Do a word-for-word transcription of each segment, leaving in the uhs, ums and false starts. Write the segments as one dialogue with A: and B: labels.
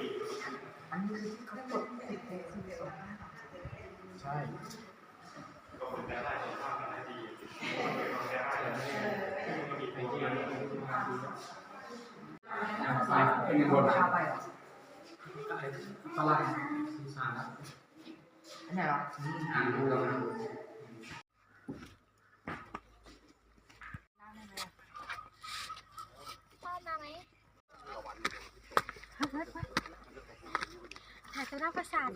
A: อันนี้คือที่เขากดติดเทปทีสองใช่ก็คนได้ได้ภาพมันดีไอ้ที่มันดีเป็นคนชาไปหรอฝรั่งสีสานอันไหนหรออ่านดูแล้วนะ
B: พ่อมาไหมถ่ายตัวหน้าประสาท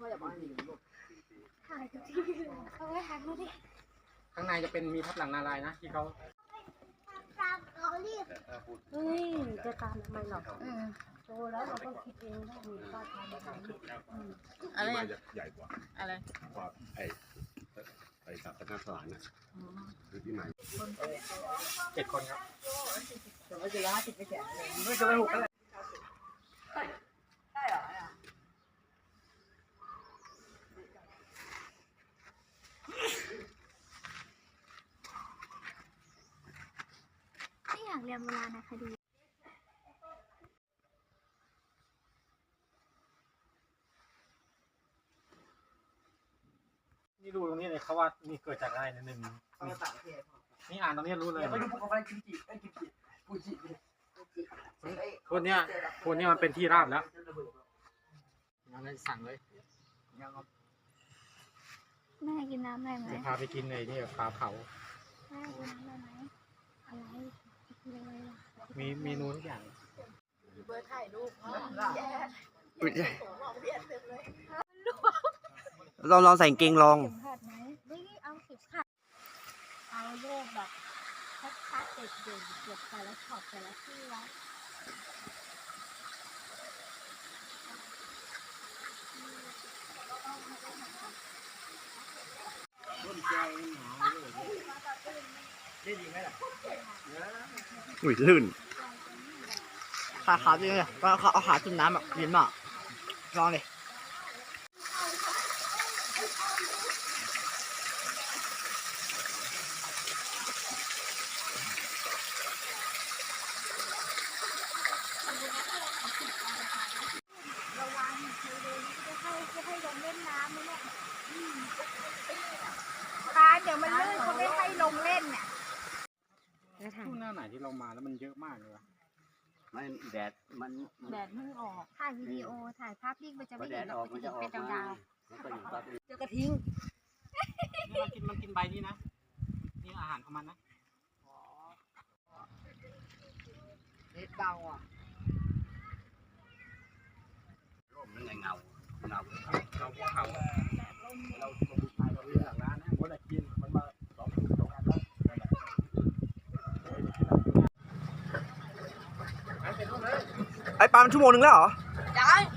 B: ถ่ายทุกที่เอาไว้ถ่ายดูดิ
A: ข้างในจะเป็นมีทับหลังนาลายนะที่เขา
B: ตามเราเรียกเฮ้ยจะตามทำไมหรอกโตแล้วเราก็คิดเองได้มีป้าทำอะไร
C: อะไร
D: ใหญ่กว่า
C: อะไร
D: กว่าไอ้ไอ้สัตว์สารนะคือที่ไหน
A: เจ็ดคนครับ
C: จะไม่เจอห้าสิบไม่แก่
A: ไม่เจอหกเลย
C: ได้เหรอ
B: ไม่อยากเรียนโบราณคดี
A: นี่ดูตรงนี้เลยเขาว่านี่เกิดจากอะไรหนึ่งนี่อ่านตรงนี้รู้เลย
C: ไปดูภูเขาไฟกิมจิไอ้กิมจิฟูจิ
A: คนเนี้ยคนเนี้ยมันเป็นที่ราบแล้วงั้นเลยสั่งเลย
B: แม่กินน้ำอะไรไหม
A: จะพาไปกินเลยนี่ปลาเผา
B: แม่กินน้ำอะไรไหมอะไร
A: มีเมนูทุกอย่าง
C: เบอร์ถ่ายรูป
E: ลองลองใส่เกงลอง
B: ไม่เอาเข็มขัดเอาโยกแบบชัดๆเด็ดเด่นเก็บแต่ละช็อตแต่ละที่ไว้
E: อุ้ยลื่นขาขาจริงเลยก็เขาเอาขาจุ่มน้ำแบบเย็นมากลองเลย
B: ระวังคือเดินจะให้จะให้ลงเล่นน้ำไหมเนี่ยตาเดี๋ยวมันลื่นเขาไม่ให้ลงเล่นเนี่ย
A: ช่วงหน้าไหนที่เรามาแล้วมันเยอะมากเลยวะ
D: ไม่แดดมัน
B: แดดเพิ่งออกถ่ายวิดีโอถ่ายภาพนิ่งมันจะไม่เห็นเราเป็นดาว
C: เจอกระทิง
A: นี่มันกินมันกินใบนี้นะนี่อาหารของมันนะ
C: เน็ตเบาอ่ะ
D: ร่มนั่นไงเงาเงา
A: เราพวกเขาเราลงไปเราเรียนหลังร้านนะคนละกินมันมาสองสองอันแล้ว
E: ไอ้ปลามันชั่วโมงนึงแล้วเหรอ
C: ยัง